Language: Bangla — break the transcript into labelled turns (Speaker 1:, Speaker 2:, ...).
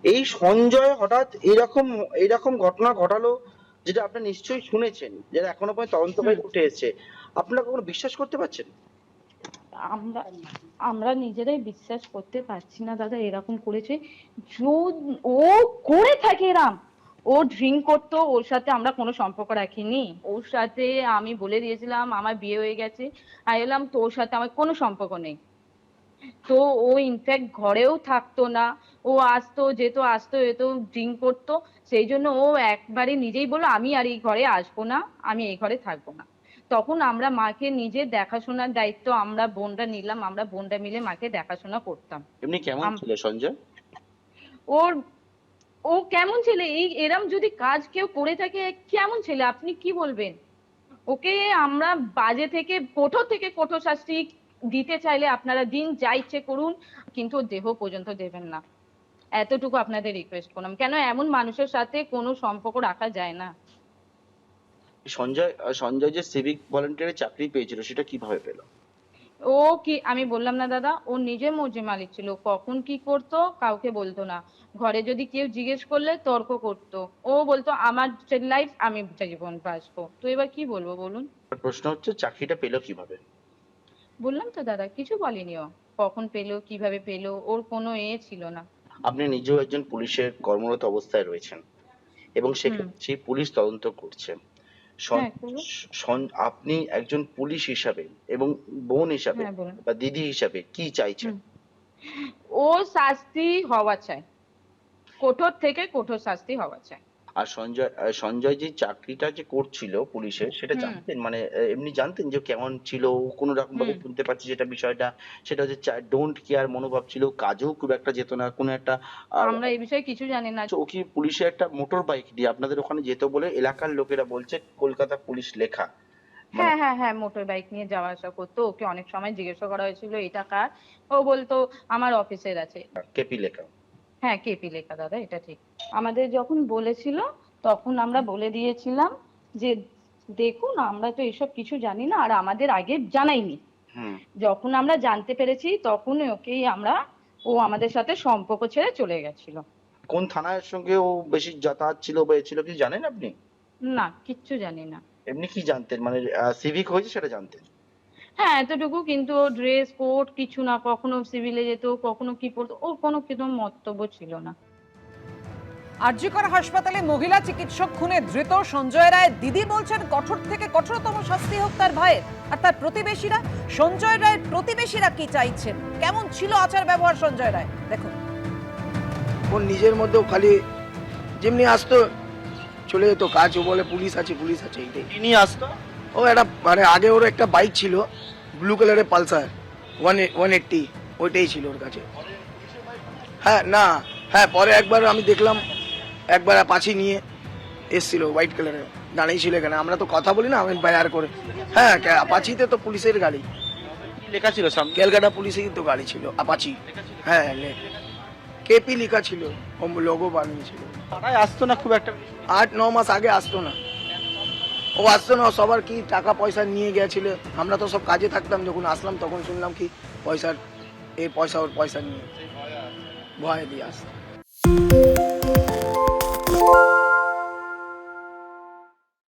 Speaker 1: এই সঞ্জয় হঠাৎ এরকম এরকম ঘটনা ঘটালো, যেটা আপনি নিশ্চয়ই শুনেছেন, যেটা এখনো পর্যন্ত তদন্ত করে
Speaker 2: হুম।
Speaker 1: উঠে এসেছে। আপনারা কখনো বিশ্বাস করতে পারছেন?
Speaker 2: আমরা আমরা নিজেরাই বিশ্বাস করতে পারছি না দাদা, এরকম করেছে। ও করে থাকে এরম। ও ড্রিঙ্ক করতো, ওর সাথে আমরা কোনো সম্পর্ক রাখিনি। ওর সাথে আমি বলে দিয়েছিলাম আমার বিয়ে হয়ে গেছে, আমি বললাম তোর সাথে আমার কোনো সম্পর্ক নেই। তো ও ইনফ্যাক্ট ঘরেও থাকতো না। ও আসতো যেত, আসতো যেত, ড্রিঙ্ক করতো। সেই জন্য ও একবারে নিজেই বললো আমি আর এই ঘরে আসবো না, আমি এই ঘরে থাকবো না। তখন আমরা মাকে নিজে দেখাশোনার দায়িত্ব আমরা বোনরা নিলাম, আমরা বোনরা মিলে মাকে দেখাশোনা করতাম।
Speaker 1: এমনি কেমন ছিল সঞ্জয়?
Speaker 2: ওর ও কেমন ছেলে, এই এরম যদি কাজ কেউ করে থাকে কেমন ছেলে আপনি কি বলবেন? ওকে আমরা বাজে থেকে কঠোর থেকে কঠোর শাস্তি দিতে চাইলে আপনারা দিন, যা ইচ্ছে করুন, কিন্তু ওর দেহ পর্যন্ত দেবেন না। এতটুকু আপনাদের রিকোয়েস্ট করলাম, কেন এমন মানুষের সাথে কোনো সম্পর্ক রাখা যায় না।
Speaker 1: সঞ্জয় যে সিভিক ভলেন্টিয়ারের চাকরি পেয়েছিল, সেটা কিভাবে পেল?
Speaker 2: ও কি আমি বললাম না দাদা, ও নিজে মর্জি মালিক ছিল, কখন কি করতো কাউকে বলতো না। ঘরে যদি কেউ জিজ্ঞেস করলে তর্ক করতো। ও বলতো আমার লাইফ আমি জীবন বাঁচবো, তো এবার কি বলবো বলুন?
Speaker 1: প্রশ্ন হচ্ছে চাকরিটা পেলো কিভাবে?
Speaker 2: বললাম তো দাদা, কিছু বলেনি ও। কখন পেলো কিভাবে পেলো ওর কোনো ছিল না।
Speaker 1: আপনি নিজেও একজন পুলিশের কর্মরত অবস্থায় রয়েছেন, এবং
Speaker 2: হুম।
Speaker 1: সেক্ষেত্রে সেই পুলিশ তদন্ত করছে।
Speaker 2: হ্যাঁ করবো।
Speaker 1: আপনি একজন পুলিশ হিসাবে এবং বোন হিসাবে
Speaker 2: হ্যাঁ বলুন।
Speaker 1: বা দিদি হিসাবে কি চাইছেন?
Speaker 2: হুম। ও শাস্তি হওয়া চাই, কঠোর থেকে কঠোর শাস্তি হওয়া চাই।
Speaker 1: আর সঞ্জয় যে চাকরিটা যে করছিল পুলিশের, সেটা
Speaker 2: হুম।
Speaker 1: জানতেন? মানে এমনি জানতেন যে কেমন ছিল? ও কোনো রকম ভাবে
Speaker 2: হুম।
Speaker 1: শুনতে পাচ্ছি যেটা বিষয়টা, সেটা হচ্ছে ডোন্ট কেয়ার মনোভাব ছিল, কাজেও খুব একটা যেত না কোনো একটা। আহ,
Speaker 2: আমরা এই বিষয়ে কিছু জানি না।
Speaker 1: ও কি পুলিশে একটা মোটর বাইক দিয়ে আপনাদের ওখানে যেত বলে এলাকার লোকেরা বলছে, কলকাতা পুলিশ লেখা, মানে
Speaker 2: হ্যাঁ হ্যাঁ হ্যাঁ, মোটর বাইক নিয়ে যাওয়া আসা করতো। ওকে অনেক সময় জিজ্ঞাসা করা হয়েছিল এটা কার, ও বলতো আমার অফিসের আছে।
Speaker 1: কেপি লেখা।
Speaker 2: হ্যাঁ কেপি লেখা দাদা, এটা ঠিক। আমাদের যখন বলেছিল তখন আমরা বলে দিয়েছিলাম যে দেখুন আমরা তো এসব কিছু জানি না, আর আমাদের আগে জানাইনি।
Speaker 1: হুম।
Speaker 2: যখন আমরা জানতে পেরেছি তখন ওকেই আমরা, ও আমাদের সাথে সম্পর্ক ছেড়ে চলে গেছিল।
Speaker 1: কোন থানার সঙ্গে ও বেশি যাতায়াত ছিল বা এ ছিল কিছু জানেন আপনি?
Speaker 2: না কিচ্ছু জানি না।
Speaker 1: এমনি কি জানতেন, মানে সিভিক হয়েছে সেটা জানতেন?
Speaker 2: হ্যাঁ এতটুকু, কিন্তু ড্রেস কোড কিছু না, কখনো সিভিলে যেত, কখনো কি পড়তো, ওর কোনো কিন্তু মন্তব্য ছিল না।
Speaker 3: আর জি কর হাসপাতালে মহিলা চিকিৎসক খুনে ধৃত সঞ্জয় রায় দিদি বলছেন কঠোর থেকে কঠোরতম শাস্তি হোক তার ভাইয়ের। আর তার প্রতিবেশীরা, সঞ্জয় রায়ের প্রতিবেশীরা কি চাইছেন, কেমন ছিল আচার ব্যবহার সঞ্জয় রায় দেখুন।
Speaker 4: ওর নিজের মধ্যেও খালি যেমনি আসতো চলে যেত কাজ, ও বলে পুলিশ আছে পুলিশ আছে এইটাই।
Speaker 1: কি নিয়ে আসতো?
Speaker 4: ও একটা মানে আগে ওর একটা বাইক ছিল ব্লু কালারের পালসার 180, ওইটাই ছিল ওর কাছে। হ্যাঁ না, হ্যাঁ পরে একবার আমি দেখলাম একবার অ্যাপাচি নিয়ে এসছিল হোয়াইট কালারের, দাঁড়িয়ে ছিল এখানে। আমরা তো কথা বলি না, আমি বায়ার করে। হ্যাঁ অ্যাপাচিতে তো পুলিশের গাড়ি,
Speaker 1: কি লেখা ছিল সামনে?
Speaker 4: ক্যালকাটা পুলিশেরই তো গাড়ি ছিল অ্যাপাচি। হ্যাঁ কেপি লেখা ছিল, ও লোগো বানিয়েছিল।
Speaker 1: পাড়ায় আসতো না খুব একটা?
Speaker 4: 8-9 মাস আগে আসতো না, ও আসতো না। সবার কি টাকা পয়সা নিয়ে গেছিল, আমরা তো সব কাজে থাকতাম। যখন আসলাম তখন শুনলাম কি পয়সার, এই পয়সা ওর পয়সা নিয়ে ভয় দিয়ে আসতো।